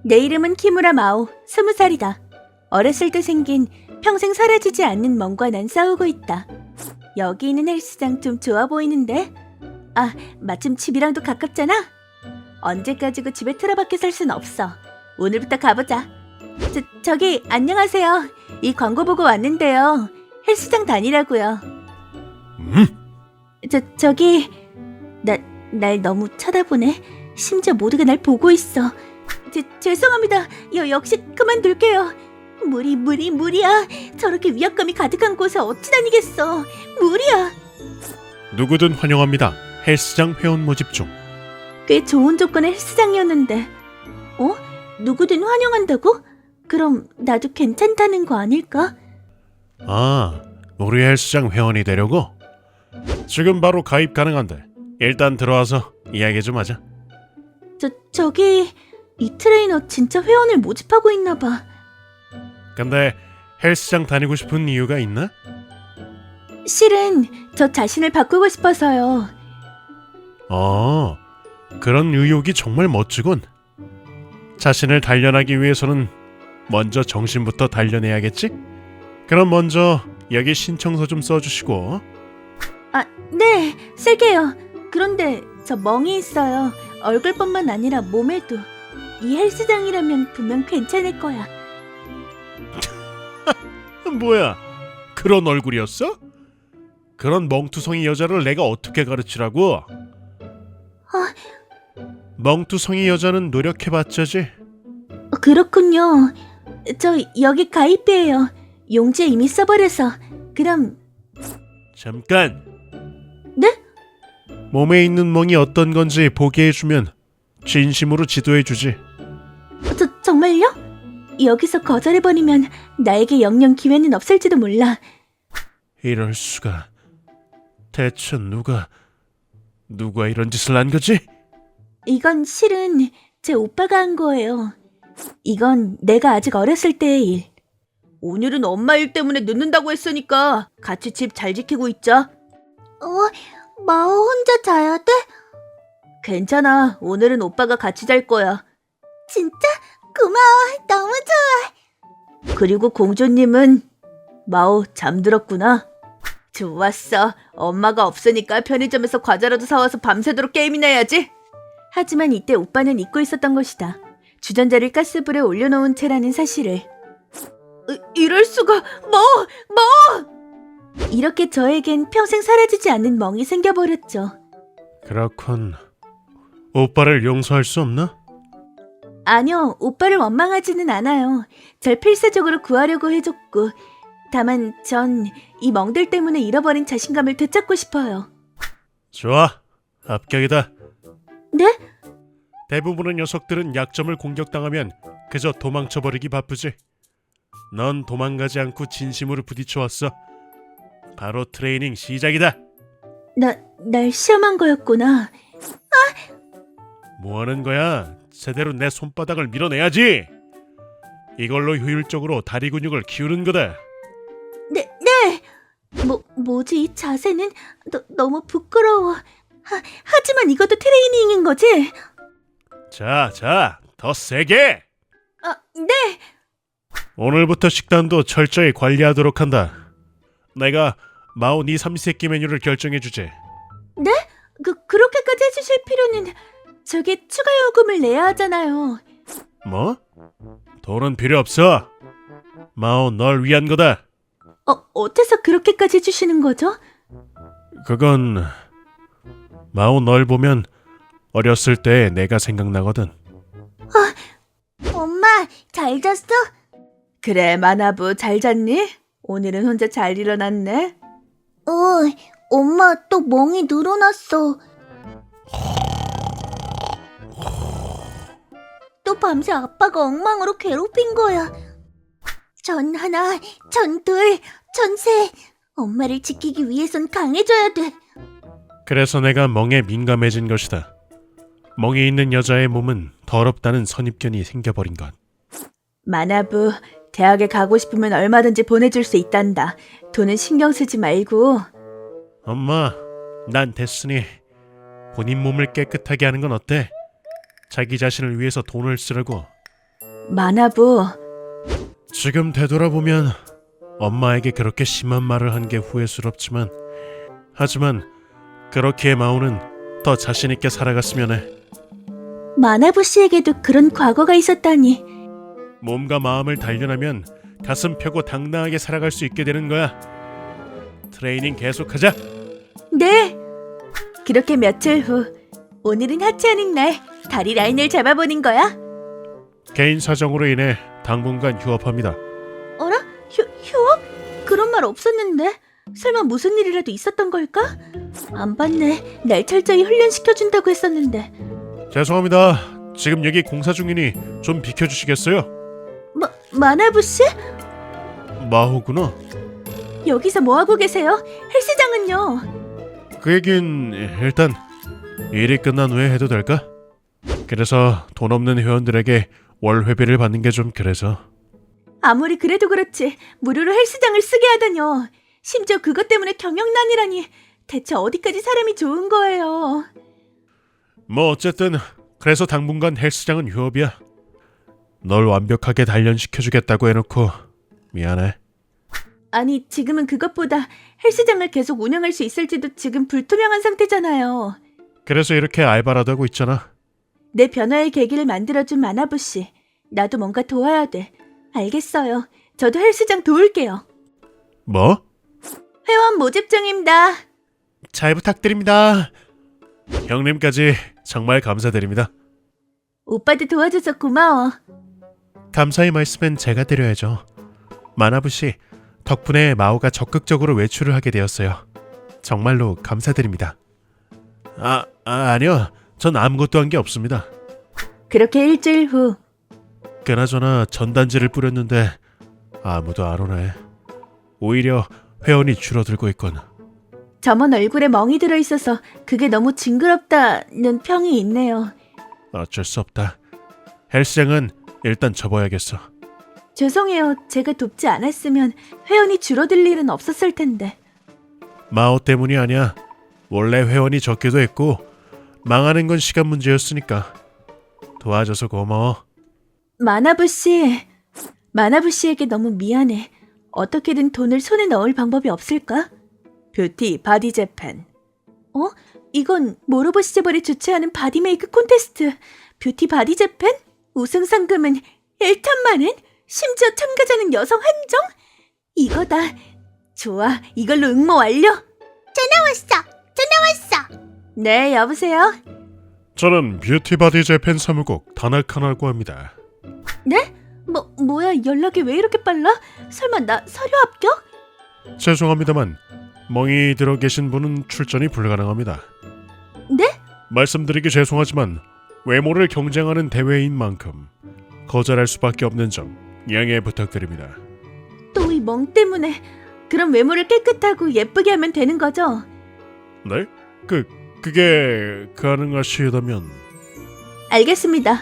내 이름은 키무라 마오, 20살이다. 어렸을 때 생긴 평생 사라지지 않는 멍과 난 싸우고 있다. 여기 있는 헬스장 좀 좋아 보이는데? 아, 마침 집이랑도 가깝잖아? 언제까지고 집에 틀어박혀 살 순 없어. 오늘부터 가보자. 저기 안녕하세요. 이 광고 보고 왔는데요. 헬스장 다니라고요. 저기 날 너무 쳐다보네. 심지어 모두가 날 보고 있어. 죄송합니다. 역시 그만둘게요. 무리야. 저렇게 위압감이 가득한 곳에 어찌 다니겠어. 무리야. 누구든 환영합니다. 헬스장 회원 모집 중. 꽤 좋은 조건의 헬스장이었는데. 누구든 환영한다고? 그럼 나도 괜찮다는 거 아닐까? 아, 우리 헬스장 회원이 되려고? 지금 바로 가입 가능한데 일단 들어와서 이야기 좀 하자. 저기 이 트레이너 진짜 회원을 모집하고 있나 봐. 근데 헬스장 다니고 싶은 이유가 있나? 실은 저 자신을 바꾸고 싶어서요. 그런 의욕이 정말 멋지군. 자신을 단련하기 위해서는 먼저 정신부터 단련해야겠지? 그럼 먼저 여기 신청서 좀 써주시고. 네, 쓸게요. 그런데 저 멍이 있어요. 얼굴뿐만 아니라 몸에도. 이 헬스장이라면 분명 괜찮을 거야. 뭐야, 그런 얼굴이었어? 그런 멍투성이 여자를 내가 어떻게 가르치라고? 멍투성이 여자는 노력해봤자지. 그렇군요. 저 여기 가입이에요. 용지에 이미 써버려서. 그럼. 잠깐. 네? 몸에 있는 멍이 어떤 건지 보게 해주면 진심으로 지도해주지. 정말요? 여기서 거절해버리면 나에게 영영 기회는 없을지도 몰라. 이럴 수가. 대체 누가 이런 짓을 한 거지? 이건 실은 제 오빠가 한 거예요. 이건 내가 아직 어렸을 때의 일. 오늘은 엄마 일 때문에 늦는다고 했으니까 같이 집 잘 지키고 있자. 마오 혼자 자야 돼? 괜찮아. 오늘은 오빠가 같이 잘 거야. 진짜? 고마워. 너무 좋아. 그리고 공주님은 마오 잠들었구나. 좋았어. 엄마가 없으니까 편의점에서 과자라도 사와서 밤새도록 게임이나 해야지. 하지만 이때 오빠는 잊고 있었던 것이다. 주전자를 가스불에 올려놓은 채라는 사실을. 이럴 수가. 이렇게 저에겐 평생 사라지지 않는 멍이 생겨버렸죠. 그렇군. 오빠를 용서할 수 없나? 아니요, 오빠를 원망하지는 않아요. 절 필사적으로 구하려고 해줬고, 다만 전 이 멍들 때문에 잃어버린 자신감을 되찾고 싶어요. 좋아, 합격이다. 네? 대부분의 녀석들은 약점을 공격당하면 그저 도망쳐버리기 바쁘지. 넌 도망가지 않고 진심으로 부딪혀왔어. 바로 트레이닝 시작이다. 날 시험한 거였구나. 뭐하는 거야? 제대로 내 손바닥을 밀어내야지. 이걸로 효율적으로 다리 근육을 키우는 거다. 네. 뭐지 이 자세는 너무 부끄러워. 하지만 이것도 트레이닝인 거지? 자, 더 세게. 네. 오늘부터 식단도 철저히 관리하도록 한다. 내가 마오 니 삼시세끼 메뉴를 결정해주지. 네? 그렇게까지 해주실 필요는. 저게 추가 요금을 내야 하잖아요. 뭐? 돈은 필요 없어. 마오 널 위한 거다. 어째서 그렇게까지 해주시는 거죠? 그건 마오 널 보면 어렸을 때 내가 생각나거든. 엄마, 잘 잤어? 그래, 마나부 잘 잤니? 오늘은 혼자 잘 일어났네. 엄마 또 멍이 늘어났어. 또 밤새 아빠가 엉망으로 괴롭힌 거야. 전 하나, 전 둘, 전 셋. 엄마를 지키기 위해선 강해져야 돼. 그래서 내가 멍에 민감해진 것이다. 멍이 있는 여자의 몸은 더럽다는 선입견이 생겨버린 것. 마나부, 대학에 가고 싶으면 얼마든지 보내줄 수 있단다. 돈은 신경 쓰지 말고. 엄마, 난 됐으니 본인 몸을 깨끗하게 하는 건 어때? 자기 자신을 위해서 돈을 쓰라고. 만화부, 지금 되돌아보면 엄마에게 그렇게 심한 말을 한 게 후회스럽지만 하지만 그렇기에 마오는 더 자신 있게 살아갔으면 해. 만화부 씨에게도 그런 과거가 있었다니. 몸과 마음을 단련하면 가슴 펴고 당당하게 살아갈 수 있게 되는 거야. 트레이닝 계속하자. 네. 그렇게 며칠 후, 오늘은 하체하는 날, 다리 라인을 잡아보는 거야. 개인 사정으로 인해 당분간 휴업합니다. 어라? 휴업? 그런 말 없었는데? 설마 무슨 일이라도 있었던 걸까? 안 봤네. 날 철저히 훈련시켜준다고 했었는데. 죄송합니다. 지금 여기 공사 중이니 좀 비켜주시겠어요? 만화부 씨? 마호구나. 여기서 뭐하고 계세요? 헬스장은요? 그 얘긴 일단 일이 끝난 후에 해도 될까? 그래서 돈 없는 회원들에게 월 회비를 받는 게 좀 그래서. 아무리 그래도 그렇지 무료로 헬스장을 쓰게 하다뇨. 심지어 그것 때문에 경영난이라니. 대체 어디까지 사람이 좋은 거예요? 뭐 어쨌든 그래서 당분간 헬스장은 휴업이야. 널 완벽하게 단련시켜주겠다고 해놓고 미안해. 아니 지금은 그것보다 헬스장을 계속 운영할 수 있을지도 지금 불투명한 상태잖아요. 그래서 이렇게 알바라도 하고 있잖아. 내 변화의 계기를 만들어준 만화부 씨. 나도 뭔가 도와야 돼. 알겠어요. 저도 헬스장 도울게요. 뭐? 회원 모집 중입니다. 잘 부탁드립니다. 형님까지 정말 감사드립니다. 오빠도 도와줘서 고마워. 감사의 말씀은 제가 드려야죠. 마나부 씨, 덕분에 마오가 적극적으로 외출을 하게 되었어요. 정말로 감사드립니다. 아니요. 전 아무것도 한 게 없습니다. 그렇게 일주일 후 그나저나 전단지를 뿌렸는데 아무도 안 오네. 오히려 회원이 줄어들고 있군. 점원 얼굴에 멍이 들어있어서 그게 너무 징그럽다는 평이 있네요. 어쩔 수 없다. 헬스장은 일단 접어야겠어. 죄송해요. 제가 돕지 않았으면 회원이 줄어들 일은 없었을 텐데. 마오 때문이 아니야. 원래 회원이 적기도 했고 망하는 건 시간 문제였으니까. 도와줘서 고마워. 만화부 씨에게 너무 미안해. 어떻게든 돈을 손에 넣을 방법이 없을까? 뷰티 바디 재팬. 이건 모로보 시제벌이 주최하는 바디 메이크 콘테스트. 뷰티 바디 재팬? 우승 상금은 1천만 원? 심지어 참가자는 여성 한정? 이거다. 좋아, 이걸로 응모 완료. 전화 왔어. 네, 여보세요? 저는 뷰티바디 재팬 사무국 다나카나고 합니다. 네? 뭐야, 연락이 왜 이렇게 빨라? 설마 나 서류 합격? 죄송합니다만 멍이 들어 계신 분은 출전이 불가능합니다. 네? 말씀드리기 죄송하지만 외모를 경쟁하는 대회인 만큼 거절할 수밖에 없는 점 양해 부탁드립니다. 또 이 멍 때문에. 그럼 외모를 깨끗하고 예쁘게 하면 되는 거죠? 네? 그게 가능하시다면 알겠습니다.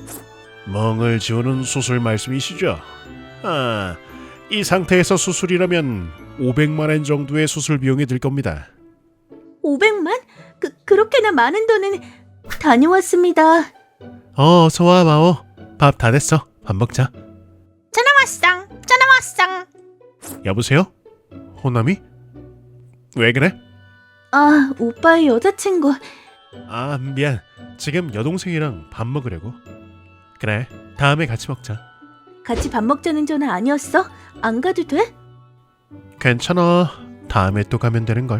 멍을 지우는 수술 말씀이시죠? 이 상태에서 수술이라면 500만 엔 정도의 수술 비용이 들 겁니다. 500만? 그렇게나 많은 돈은. 다녀왔습니다. 어서 와 마오. 밥 다 됐어. 밥 먹자. 전화 왔어. 여보세요? 호남이? 왜 그래? 오빠의 여자친구. 미안. 지금 여동생이랑 밥 먹으려고. 그래, 다음에 같이 먹자. 같이 밥 먹자는 전화 아니었어? 안 가도 돼? 괜찮아. 다음에 또 가면 되는걸.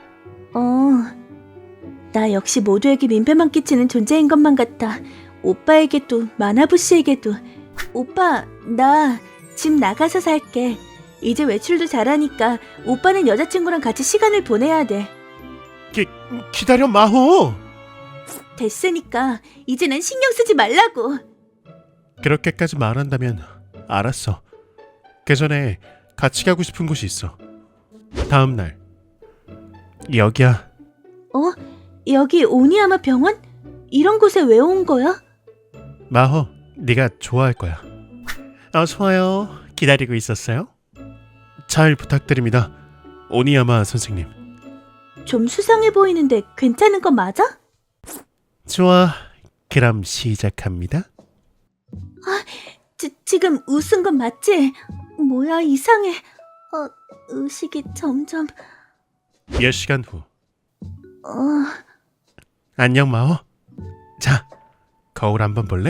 나 역시 모두에게 민폐만 끼치는 존재인 것만 같아. 오빠에게도 만화부 씨에게도. 오빠, 나 집 나가서 살게. 이제 외출도 잘하니까 오빠는 여자친구랑 같이 시간을 보내야 돼. 기다려 마호. 됐으니까 이제는 신경 쓰지 말라고. 그렇게까지 말한다면 알았어. 그 전에 같이 가고 싶은 곳이 있어. 다음 날. 여기야. 여기 오니야마 병원? 이런 곳에 왜 온 거야? 마호, 네가 좋아할 거야. 어서 와요. 기다리고 있었어요. 잘 부탁드립니다. 오니야마 선생님. 좀 수상해 보이는데 괜찮은 거 맞아? 좋아. 그럼 시작합니다. 지금 웃은 건 맞지? 뭐야, 이상해. 의식이 점점... 몇 시간 후. 어... 안녕 마오. 자, 거울 한번 볼래?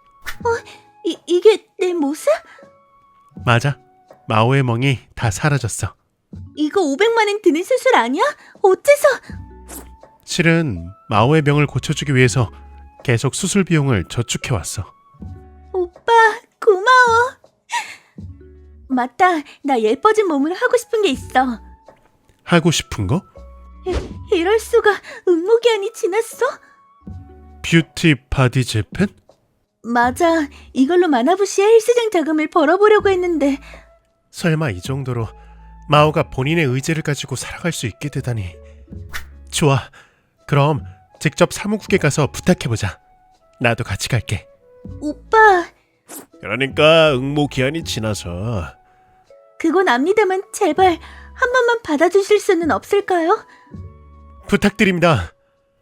이게 내 모습? 맞아. 마오의 멍이 다 사라졌어. 이거 500만 원 드는 수술 아니야? 어째서? 실은 마오의 병을 고쳐주기 위해서 계속 수술 비용을 저축해왔어. 오빠, 고마워. 맞다, 나 예뻐진 몸을 하고 싶은 게 있어. 하고 싶은 거? 이럴 수가, 응모기한이 지났어? 뷰티 바디 재팬? 맞아, 이걸로 마나부시의 헬스장 자금을 벌어보려고 했는데. 설마 이 정도로 마오가 본인의 의지를 가지고 살아갈 수 있게 되다니. 좋아, 그럼 직접 사무국에 가서 부탁해보자. 나도 같이 갈게. 오빠, 그러니까 응모 기한이 지나서. 그건 압니다만 제발 한 번만 받아주실 수는 없을까요? 부탁드립니다.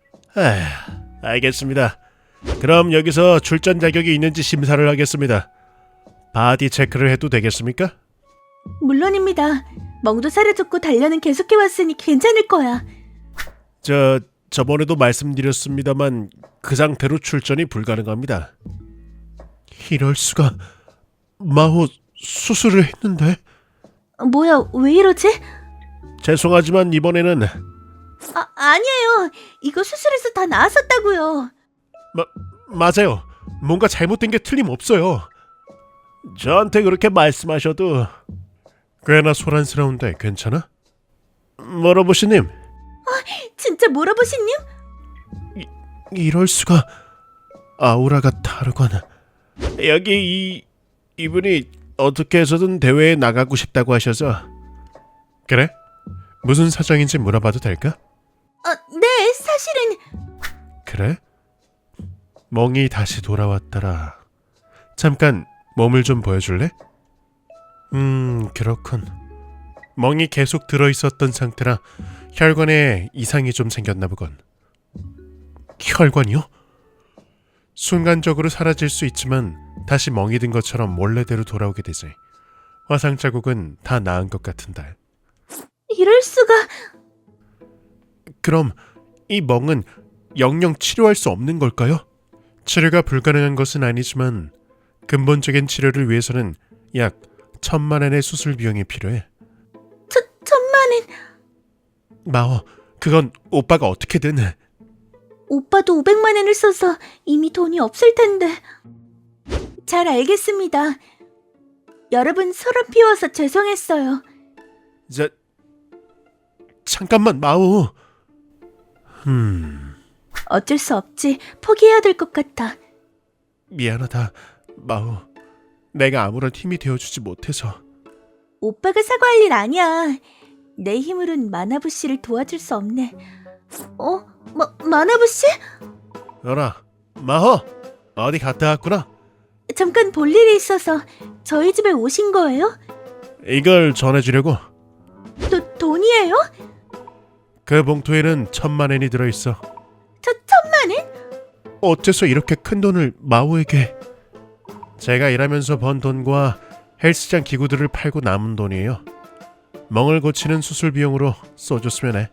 알겠습니다. 그럼 여기서 출전 자격이 있는지 심사를 하겠습니다. 바디 체크를 해도 되겠습니까? 물론입니다. 멍도 사라졌고 단련은 계속해왔으니 괜찮을 거야. 저번에도 말씀드렸습니다만 그 상태로 출전이 불가능합니다. 이럴 수가. 마호 수술을 했는데. 뭐야, 왜 이러지? 죄송하지만 이번에는. 아니에요. 이거 수술해서 다 나았었다고요. 맞아요. 뭔가 잘못된 게 틀림없어요. 저한테 그렇게 말씀하셔도. 꽤나 소란스러운데 괜찮아? 모로보시님. 진짜 모라보시님? 이럴 수가. 아우라가 다르군. 여기 이분이 어떻게 해서든 대회에 나가고 싶다고 하셔서. 그래? 무슨 사정인지 물어봐도 될까? 네, 사실은. 그래? 멍이 다시 돌아왔더라. 잠깐 몸을 좀 보여줄래? 그렇군. 멍이 계속 들어있었던 상태라 혈관에 이상이 좀 생겼나 보군. 혈관이요? 순간적으로 사라질 수 있지만 다시 멍이 든 것처럼 원래대로 돌아오게 되지. 화상 자국은 다 나은 것 같은데. 이럴 수가. 그럼 이 멍은 영영 치료할 수 없는 걸까요? 치료가 불가능한 것은 아니지만 근본적인 치료를 위해서는 약 1,000만 원의 수술 비용이 필요해. 1,000만 원? 마오, 그건 오빠가 어떻게든. 오빠도 500만 원을 써서 이미 돈이 없을 텐데. 잘 알겠습니다. 여러분 소름 피워서 죄송했어요. 잠깐만 마오. 어쩔 수 없지. 포기해야 될 것 같아. 미안하다 마오. 내가 아무런 힘이 되어주지 못해서. 오빠가 사과할 일 아니야. 내 힘으론 마나부 씨를 도와줄 수 없네. 마나부 씨? 어라 마호, 어디 갔다 왔구나. 잠깐 볼 일이 있어서 저희 집에 오신 거예요? 이걸 전해주려고. 돈이에요? 그 봉투에는 1,000만 원이 들어있어. 1,000만 원? 어째서 이렇게 큰 돈을 마오에게. 제가 일하면서 번 돈과 헬스장 기구들을 팔고 남은 돈이에요. 멍을 고치는 수술 비용으로 써줬으면 해.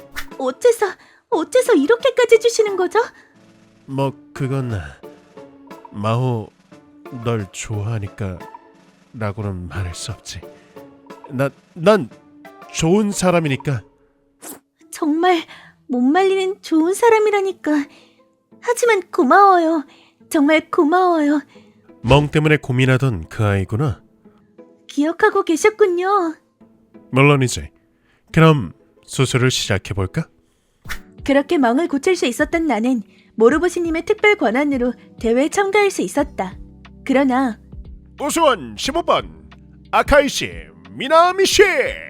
어째서 이렇게까지 주시는 거죠? 그건 마호 널 좋아하니까 라고는 말할 수 없지. 난 좋은 사람이니까. 정말 못 말리는 좋은 사람이라니까. 하지만 고마워요. 정말 고마워요. 멍 때문에 고민하던 그 아이구나. 기억하고 계셨군요. 물론이지. 그럼 수술을 시작해볼까? 그렇게 멍을 고칠 수 있었던 나는 모로보시님의 특별 권한으로 대회에 참가할 수 있었다. 그러나 우수원 15번 아카이씨 미나미씨.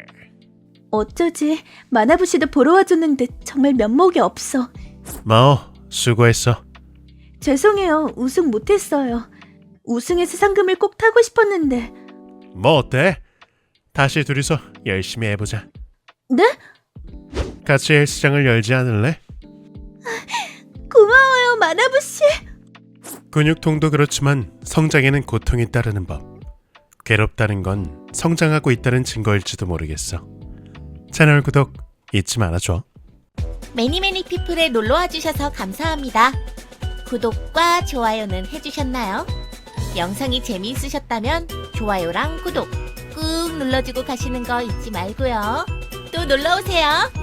어쩌지 마나부시도 보러 와줬는데 정말 면목이 없어. 마오 수고했어. 죄송해요. 우승 못했어요. 우승해서 상금을 꼭 타고 싶었는데. 뭐 어때? 다시 둘이서 열심히 해보자. 네? 같이 헬스장을 열지 않을래? 고마워요 마나부시. 근육통도 그렇지만 성장에는 고통이 따르는 법. 괴롭다는 건 성장하고 있다는 증거일지도 모르겠어. 채널 구독 잊지 말아줘. 매니매니 피플에 놀러와 주셔서 감사합니다. 구독과 좋아요는 해주셨나요? 영상이 재미있으셨다면 좋아요랑 구독 꾹 눌러주고 가시는 거 잊지 말고요. 또 놀러오세요.